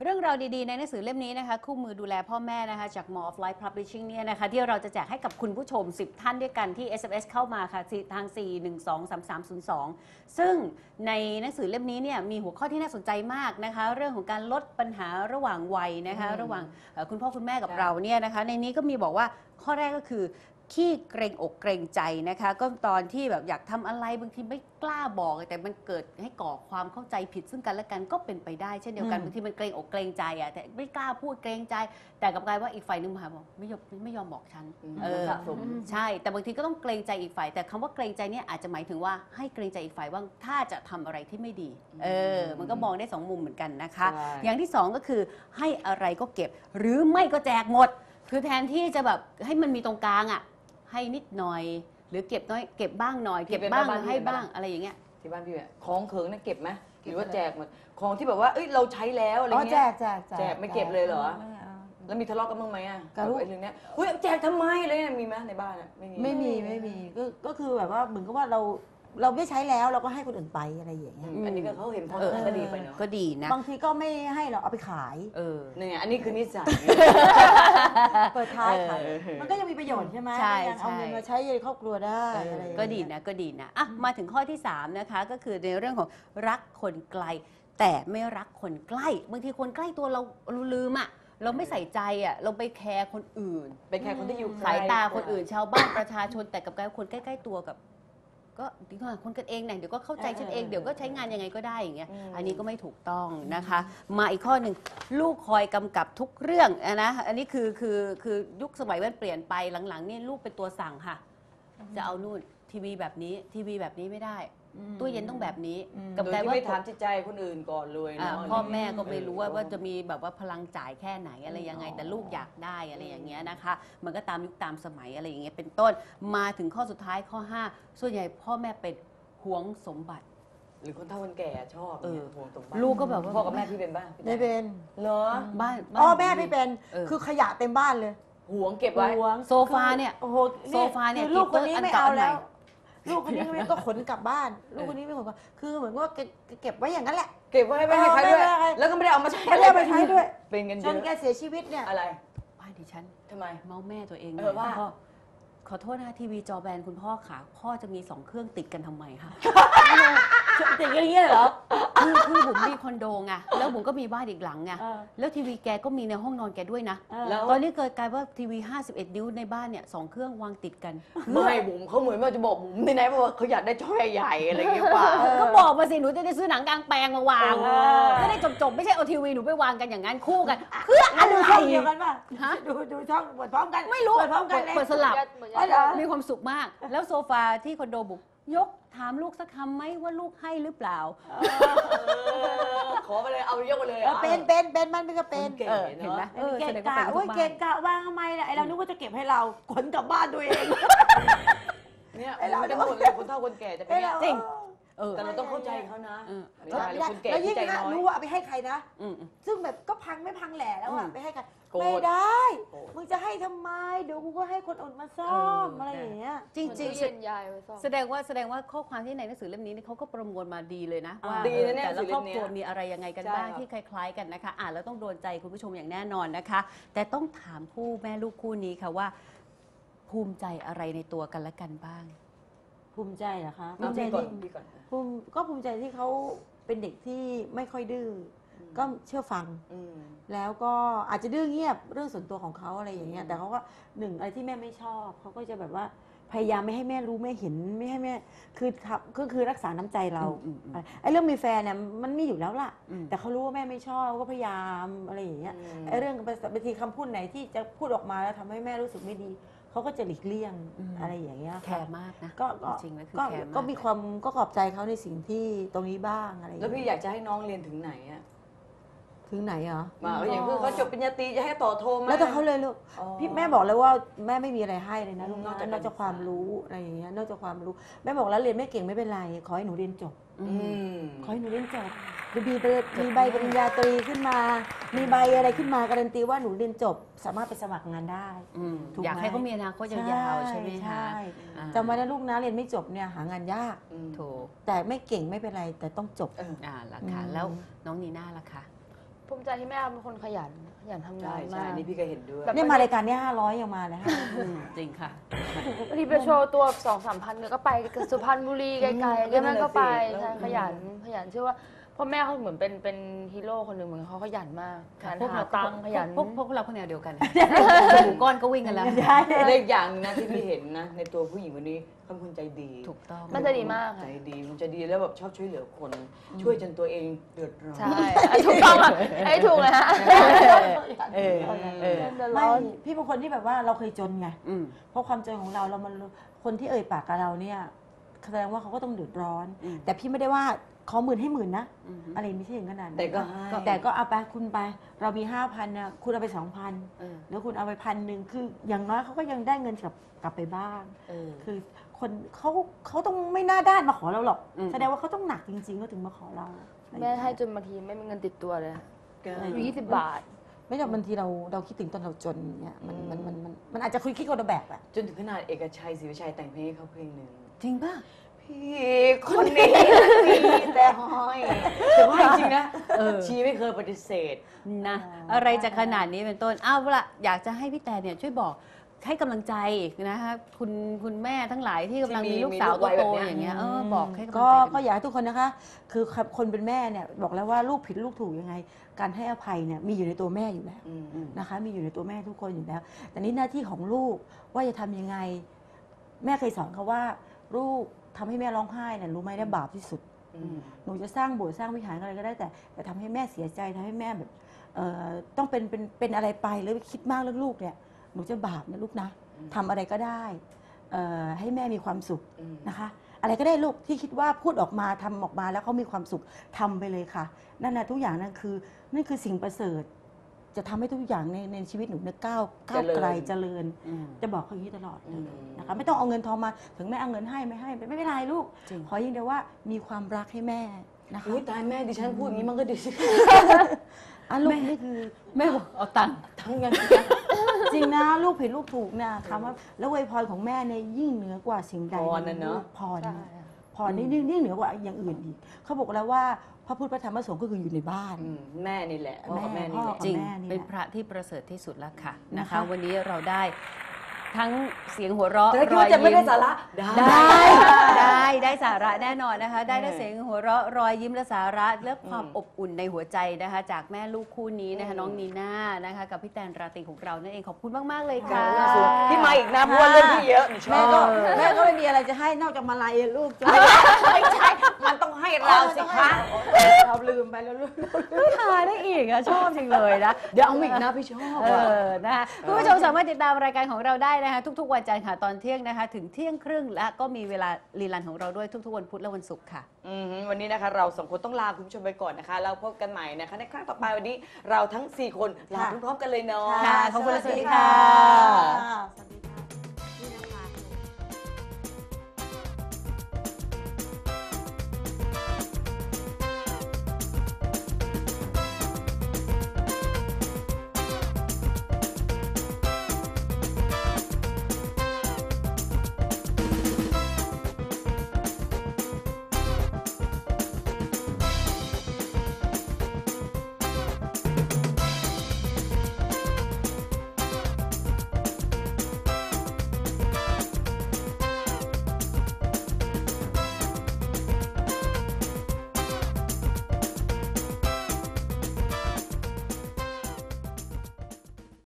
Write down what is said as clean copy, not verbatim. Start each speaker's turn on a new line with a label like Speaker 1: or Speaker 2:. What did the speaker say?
Speaker 1: เรื่องราวดีๆในหนังสือเล่มนี้นะคะคู่มือดูแลพ่อแม่นะคะจาก More of Life Publishing เนี่ยนะคะที่เราจะแจกให้กับคุณผู้ชม10ท่านด้วยกันที่ SMS เข้ามาค่ะทาง 4123302 ซึ่งในหนังสือเล่มนี้เนี่ยมีหัวข้อที่น่าสนใจมากนะคะเรื่องของการลดปัญหาระหว่างวัยนะคะระหว่างคุณพ่อคุณแม่กับเราเนี่ยนะคะในนี้ก็มีบอกว่าข้อแรกก็คือขี้เกรงอกเกรงใจนะคะก็ตอนที่แบบอยากทำอะไรบางทีไม่กล้าบอกแต่มันเกิดให้ก่อความเข้าใจผิดซึ่งกันและกันก็เป็นไปได้เช่นเดียวกันบางทีมันเกรงอกเกรงใจแต่ไม่กล้าพูดเกรงใจแต่กับกลายว่าอีกฝ่ายนึงมาบอกไม่ยอมบอกฉันใช่แต่บางทีก็ต้องเกรงใจอีกฝ่ายแต่คำว่าเกรงใจเนี่ยอาจจะหมายถึงว่าให้เกรงใจอีกฝ่ายว่าถ้าจะทำอะไรที่ไม่ดีมันก็มองได้2มุมเหมือนกันนะคะอย่างที่2ก็คือให้อะไรก็เก็บหรือไม่ก็แจกหมดคือแทนที่จะแบบให้มันมีตรงกลางให้นิดหน่อยหรือเก็บน้อยเก็บบ้างหน่อยเก็บบ้างให้บ้างอะไรอย่างเงี้ย
Speaker 2: ที่บ้านพี่เนี่ยของเขิงนั่นเก็บไหมหรือว่าแจกหมดของที่แบบว่าเอ้ยเราใช้แล้วอะไรเงี้ยแจกไม่เก็บเลยเหรอแล้วมีทะเลาะกันบ้างไหมอ่ะกับไอ้เรื่องนี้เฮ้ยแจกทำไมอะไรเนี่ยมีไหมในบ้านอ่ะ
Speaker 3: ไม่มีก็คือแบบว่าเหมือนกับว่าเราไม่ใช้แล้วเราก็ให้คนอื่นไปอะไรอย่างเงี้ย
Speaker 2: อันนี้ก็เขาเห็นพ้องก็ดีไปเนาะ
Speaker 1: ก็ดีนะ
Speaker 3: บางทีก็ไม่ให้เราเอาไปขาย
Speaker 2: เนี่ยอันนี้คือนิสัย
Speaker 3: เปิดท้ายขายมันก็ยังมีประโยชน์ใช่ไหมยังเอาเงินมาใช้ในครอบครัวได้อะไร
Speaker 1: ก็ดีนะอ่ะมาถึงข้อที่3นะคะก็คือในเรื่องของรักคนไกลแต่ไม่รักคนใกล้บางทีคนใกล้ตัวเราลืมเราไม่ใส่ใจเราไปแคร์คนอื่น
Speaker 2: ไปแคร์คนที่อยู่
Speaker 1: สายตาคนอื่นชาวบ้านประชาชนแต่กับการคนใกล้ๆตัวกับก็ดีกว่าคนกันเองเดี๋ยวก็เข้าใจฉันเองเดี๋ยวก็ใช้งานยังไงก็ได้อย่างเงี้ยอันนี้ก็ไม่ถูกต้องนะคะมาอีกข้อหนึ่งลูกคอยกำกับทุกเรื่องนะอันนี้คือยุคสมัยมันเปลี่ยนไปหลังๆนี่ลูกเป็นตัวสั่งค่ะจะเอานู่นทีวีแบบนี้ไม่ได้ตู้เย็นต้องแบบนี้
Speaker 2: กับแต่ว่าไม่ถามจิตใจคนอื่นก่อนเลยนะ
Speaker 1: พ่อแม่ก็ไม่รู้ว่าจะมีแบบว่าพลังจ่ายแค่ไหนอะไรยังไงแต่ลูกอยากได้อะไรอย่างเงี้ยนะคะมันก็ตามยุคตามสมัยอะไรอย่างเงี้ยเป็นต้นมาถึงข้อสุดท้ายข้อ5ส่วนใหญ่พ่อแม่เป็นหวงสมบัติ
Speaker 2: หรือคนเฒ่าคนแก่ชอบหวงสมบัติ
Speaker 1: ลูกก็แบบว่า
Speaker 2: พ่อกับแม่พี่เป็นบ้าง
Speaker 3: ไม่เป็น
Speaker 2: เหรอ
Speaker 1: บ้าน
Speaker 3: แม่ไม่เป็นคือขยะเต็มบ้านเลย
Speaker 2: หวงเก็บไว้
Speaker 1: โซฟาเนี่ย
Speaker 3: โอ้โห
Speaker 1: โซฟาเนี่ย
Speaker 3: ลูกคนนี้ไม่เอาแล้วลูกคนนี้ก็ขนกลับบ้านลูกคนนี้ไม่ขนคือเหมือนว่าเก็บไว้อย่างนั้นแหละ
Speaker 2: เก็บไว้ไม่ให้ใครด้วยแล้วก็ไม่ได้เอามาใช้
Speaker 3: ไม่ได้มาใช้ด้วย
Speaker 2: เป็นเงิน
Speaker 3: จนแกเสียชีวิตเนี่ย
Speaker 2: อะไร
Speaker 1: บ้านดิฉัน
Speaker 2: ทำไม
Speaker 1: เมาแม่ตัวเอง
Speaker 2: ว่า
Speaker 1: ขอโทษนะทีวีจอแบนคุณพ่อค่ะพ่อจะมี2เครื่องติดกันทำไมคะ
Speaker 3: ติดอย่างเงี้ยเหรอ
Speaker 1: คือผมมีคอนโดไงแล้วผมก็มีบ้านอีกหลังไงแล้วทีวีแกก็มีในห้องนอนแกด้วยนะตอนนี้เกิดกลายว่าทีวี51นิ้วในบ้านเนี่ย2เครื่องวางติดกัน
Speaker 2: ไม่บุ๋มเขาเหมือนว่าจะบอกบุ๋มในไหนบอกว่าเขาอยากได้จอใหญ่อะไรอย่างเงี้ยป่ะ
Speaker 1: ก็บอกมาสิหนูจะได้ซื้อหนังกลางแปลงมาวางจะได้จบไม่ใช่เอาทีวีหนูไปวางกันอย่างนั้นคู่กันเพื่ออะไร
Speaker 3: ดูช่องเดียวกันป่ะดูช่องเปิดพร้อมกัน
Speaker 1: ไม่รู้
Speaker 3: เปิดพร้อมกัน
Speaker 1: เปิดสลับมีความสุขมากแล้วโซฟาที่คอนโดบุกยกถามลูกสักคำไหมว่าลูกให้หรือเปล่า
Speaker 2: ขอไปเลยเอายกไปเลย
Speaker 3: เป็นมันไม่ก็เป็น
Speaker 2: เห็นไหม
Speaker 3: เก่งกะโอ้ยเก่งกะวางทำไมล่ะไอเรานึกว่าจะเก็บให้เราขนกลับบ้านตัวเอง
Speaker 2: เนี่ยเราจะหมดเลยคนเฒ่าคนแก่จะเป็น
Speaker 1: จริง
Speaker 2: แต่เราต้องเข้าใจเขานะ
Speaker 3: แล้วยิ่งรู้ว่าเอาไปให้ใครนะซึ่งแบบก็พังไม่พังแหล่แล้วไปให้ใครไม่ได้มึงจะให้ทำไมเดี๋ยวกูก็ให้คนอื่นมาซ่อมอะไรอย่างเงี้ย
Speaker 1: จริงๆแสดงว่าข้อความที่ในหนังสือเล่มนี้เขาก็ประมวลมาดีเลยนะว่าแต่ละครอบครัวมีอะไรยังไงกันบ้างที่คล้ายๆกันนะคะอ่านแล้วต้องโดนใจคุณผู้ชมอย่างแน่นอนนะคะแต่ต้องถามคู่แม่ลูกคู่นี้ค่ะว่าภูมิใจอะไรในตัวกันและกันบ้าง
Speaker 3: ภูมิใจเหรอคะภูมิใจที่เขาเป็นเด็กที่ไม่ค่อยดื้อก็เชื่อฟังแล้วก็อาจจะดื้อเงียบเรื่องส่วนตัวของเขาอะไรอย่างเงี้ยแต่เขาก็หนึ่งอะไรที่แม่ไม่ชอบเขาก็จะแบบว่าพยายามไม่ให้แม่รู้ไม่เห็นไม่ให้แม่คือรักษาน้ำใจเราไอ้เรื่องมีแฟนเนี่ยมันมีอยู่แล้วล่ะแต่เขารู้ว่าแม่ไม่ชอบก็พยายามอะไรอย่างเงี้ยไอ้เรื่องบางทีคำพูดไหนที่จะพูดออกมาแล้วทำให้แม่รู้สึกไม่ดีเขาก็จะหลีกเลี่ยงอะไรอย่างเงี้ย
Speaker 1: แคร์มากนะ
Speaker 3: จริงๆแล้วคือแคร์มากก็มีความก็ขอบใจเขาในสิ่งที่ตรงนี้บ้างอะไร
Speaker 2: แล้วพี่อยากจะให้น้องเรียนถึงไหนอะ
Speaker 3: ถึงไหนเหรอ
Speaker 2: มาอย่างเพื่อเขาจบปริญญาตรีจะให้ต่อโทมา
Speaker 3: แล้วแต่เขาเลยลูกพี่แม่บอกเลยว่าแม่ไม่มีอะไรให้เลยนะลูกนอกจากความรู้อะไรอย่างเงี้ยนอกจากความรู้แม่บอกแล้วเรียนไม่เก่งไม่เป็นไรขอให้หนูเรียนจบขอให้หนูเรียนจบมีใบปริญญาตรีขึ้นมามีใบอะไรขึ้นมาการันตีว่าหนูเรียนจบสามารถไปสมัครงานได้
Speaker 1: อยากให้เขามีอนาคตยาวๆใช่ไหมคะ
Speaker 3: จำไว้นะลูกนะเรียนไม่จบเนี่ยหางานยาก
Speaker 1: ถูก
Speaker 3: แต่ไม่เก่งไม่เป็นไรแต่ต้องจบ
Speaker 1: ล่ะค่ะแล้วน้องนีน่าล่ะคะ
Speaker 4: ภูมิใจที่แม่เป็นคนขยันทำงา
Speaker 2: ใช่
Speaker 4: น
Speaker 2: ใช่
Speaker 4: มาก
Speaker 2: นี่พี่ก็เห็นด้วย
Speaker 3: เนี่ยมารายการเนี้ย500ยังมาเลยฮะ
Speaker 1: จริงค่ะ
Speaker 4: บางทีไปโชว์ตัว2-3 พันเนี่ยก็ไปสุพรรณบุรีไกลๆก็นั่นก็ไปใช่ขยันเชื่อว่าพ่อแม่เขาเหมือนเป็นฮีโร่คนหนึ่งเหมือนเขาขยันมากขยันหาตังค์ขยัน
Speaker 1: พวกเราคนแนวเดียวกันหมูก้อนก็วิ่งกันแล้ว
Speaker 2: และอีกอย่างหนึงนะที่พี่เห็นนะในตัวผู้หญิงคนนี้เขาเป็นคนใจดี
Speaker 1: ถูกต้อง
Speaker 4: มันจะดีมาก
Speaker 2: ใจ
Speaker 4: ค่ะ
Speaker 2: ดีมันจะดีแล้วแบบชอบช่วยเหลือคน ช่วยจนตัวเองเดือดร้อน
Speaker 4: ใช่ถูกต้องอ่ะไอ้ถูกเลยฮะ
Speaker 3: ไม่พี่เป็นคนที่แบบว่าเราเคยจนไง
Speaker 1: อืม
Speaker 3: เพราะความจนของเรามันคนที่เอ่ยปากกับเราเนี่ยแสดงว่าเขาก็ต้องเดือดร้อน
Speaker 1: อืม
Speaker 3: แต่พี่ไม่ได้ว่าขอ10,000ให้10,000นะ
Speaker 1: อืม
Speaker 3: อะไรไม่ใช่อย่างนั้น
Speaker 2: แต่ก็ให้
Speaker 3: แต่ก็เอาไปคุณไป เรามี5,000นะคุณเอาไป2,000
Speaker 1: เออ
Speaker 3: แล้วคุณเอาไป1,000คืออย่างน้อยเขาก็ยังได้เงินกลับไปบ้าง
Speaker 1: เออ
Speaker 3: คือคนเขาต้องไม่น่าด้านมาขอเราหรอก
Speaker 1: อืม
Speaker 3: แสดงว่าเขาต้องหนักจริงๆก็ถึงมาขอเรา
Speaker 4: แม่ให้จนบางทีไม่มีเงินติดตัวเลยอยู่20 บาท
Speaker 3: ไม่ใช่บางทีเราคิดถึงตอนเราจนเนี่ยมันอาจจะคุยคิดคนละแบบอะ
Speaker 2: จนถึงขนาดเอกชัยศรีวิชัยแต่งเพลงให้เขาเพลงหนึ่ง
Speaker 1: จริงป่ะ
Speaker 2: พี่คนนี้มีแต่ห้อยแต่ว่าจริงๆนะชีไม่เคยปฏิเสธ
Speaker 1: นะอะไรจะขนาดนี้เป็นต้นอ้าวละอยากจะให้พี่แต่เนี่ยช่วยบอกให้กำลังใจนะคะคุณแม่ทั้งหลายที่กำลังมีลูกสาว
Speaker 2: มีลูกวัยแบ
Speaker 1: โต
Speaker 2: บเนี้ย
Speaker 1: ๆอย่างเงี้ยบอกให้กำลัง
Speaker 3: ก็
Speaker 1: ใจ
Speaker 3: ก็อยากให้ทุกคนนะคะ คือคนเป็นแม่เนี่ยบอกแล้วว่าลูกผิดลูกถูกยังไง การให้อภัยเนี่ยมีอยู่ในตัวแม่อยู่แล้ว นะคะ มีอยู่ในตัวแม่ทุกคนอยู่แล้ว แต่นี่หน้าที่ของลูกว่าจะทำยังไง แม่เคยสอนเขาว่าลูกทำให้แม่ร้องไห้เนี่ยรู้ไหมได้บาปที่สุด หนูจะสร้างโบสถ์สร้างวิหารอะไรก็ได้แต่ทำให้แม่เสียใจทำให้แม่แบบต้องเป็นอะไรไปหรือคิดมากเรื่องลูกเนี่ยหนูจะบาปนะลูกนะทำอะไรก็ได้ให้แม่มีความสุขนะคะ อะไรก็ได้ลูกที่คิดว่าพูดออกมาทำออกมาแล้วเขามีความสุขทำไปเลยค่ะนั่นนะทุกอย่างนั่นคือสิ่งประเสริฐ จะทำให้ทุกอย่างในชีวิตหนูเนี่ยก้าวไกลเจริญ จะบอกเขาอย่างนี้ตลอดเลยนะคะไม่ต้องเอาเงินทองมาถึงแม่เอาเงินให้ไม่ให้ไม่เป็นไรลูก
Speaker 1: จริง
Speaker 3: ขออย่างเดียวว่ามีความรักให้แม่นะคะ
Speaker 2: อุ้ยตายแม่ดิฉันพูดอย่างนี้มันก็ดีสิ
Speaker 3: ลูกนี่คือ
Speaker 1: แม่บอกเอาตังค์
Speaker 2: ทั้งเงิน
Speaker 3: จริงนะลูกผิดลูกถูกนะคำว่าแล้วอวยพรของแม่เนี่ยยิ่งเหนือกว่าสิ่งใด
Speaker 2: พรน่ะเนอะ
Speaker 3: พรพรนี่ยิ่งเหนือกว่าอย่างอื่นอีกเขาบอกแล้วว่าพระพุทธพระธรรมพระสงฆ์ก็คืออยู่ในบ้าน
Speaker 2: แม่นี่แหละพ่อกับแม่นี่
Speaker 3: พ่
Speaker 2: แห
Speaker 3: อ
Speaker 2: ละ
Speaker 1: จริง
Speaker 3: แม่นี่แหละ
Speaker 1: เป็นพระที่ประเสริฐที่สุดแล้วค่ะนะ
Speaker 3: นะคะ
Speaker 1: คะ วันนี้เราได้ทั้งเสียงหัวเราะ
Speaker 2: แต่ถ้าคิด
Speaker 1: รอย
Speaker 2: ว่าจะไม่
Speaker 1: ยิ้
Speaker 2: ได้
Speaker 1: ม
Speaker 2: สาระได้
Speaker 1: ได้สาระแน่นอนนะคะ ได้เสียงหัวเราะรอยยิ้มและสาระและความอบอุ่นในหัวใจนะคะ จากแม่ลูกคู่นี้นะคะน้องนีน่านะคะกับพี่แตนราตรีของเรานั่นเองขอบคุณมากๆเลยค่ะ
Speaker 2: ที่มาอีกนะเพราะว่าเรื่องที่เยอะหนูชอ
Speaker 3: แม่
Speaker 2: บ
Speaker 3: ก็ไม่มีอะไรจะให้นอกจากมาลายลูกจ้ะ
Speaker 2: ไม่ใช่ มันต้องให้เราสิคะ
Speaker 3: เราลืมไปแล้วลูก
Speaker 1: ทานได้อีกอะชอบจริงเลยนะ
Speaker 2: เดี๋ยวเอามาอีกนะพี่ชอบ
Speaker 1: นะคะคุณผู้ชมสามารถติดตามรายการของเราได้นะคะทุกๆวันจันทร์ค่ะตอนเที่ยงนะคะถึงเที่ยงครึ่งและก็มีเวลารีลันของเราด้วยทุกๆวันพุธและวันศุกร์ค่ะ
Speaker 2: วันนี้นะคะเราสองคนต้องลาคุณผู้ชมไปก่อนนะคะแล้วพบกันใหม่นะคะในครั้งต่อไปวันนี้เราทั้ง 4 คนลาพร้อมๆกันเลยเนาะ
Speaker 1: ค่ะขอบคุณและสวัสดีค่ะ
Speaker 3: สวัสดี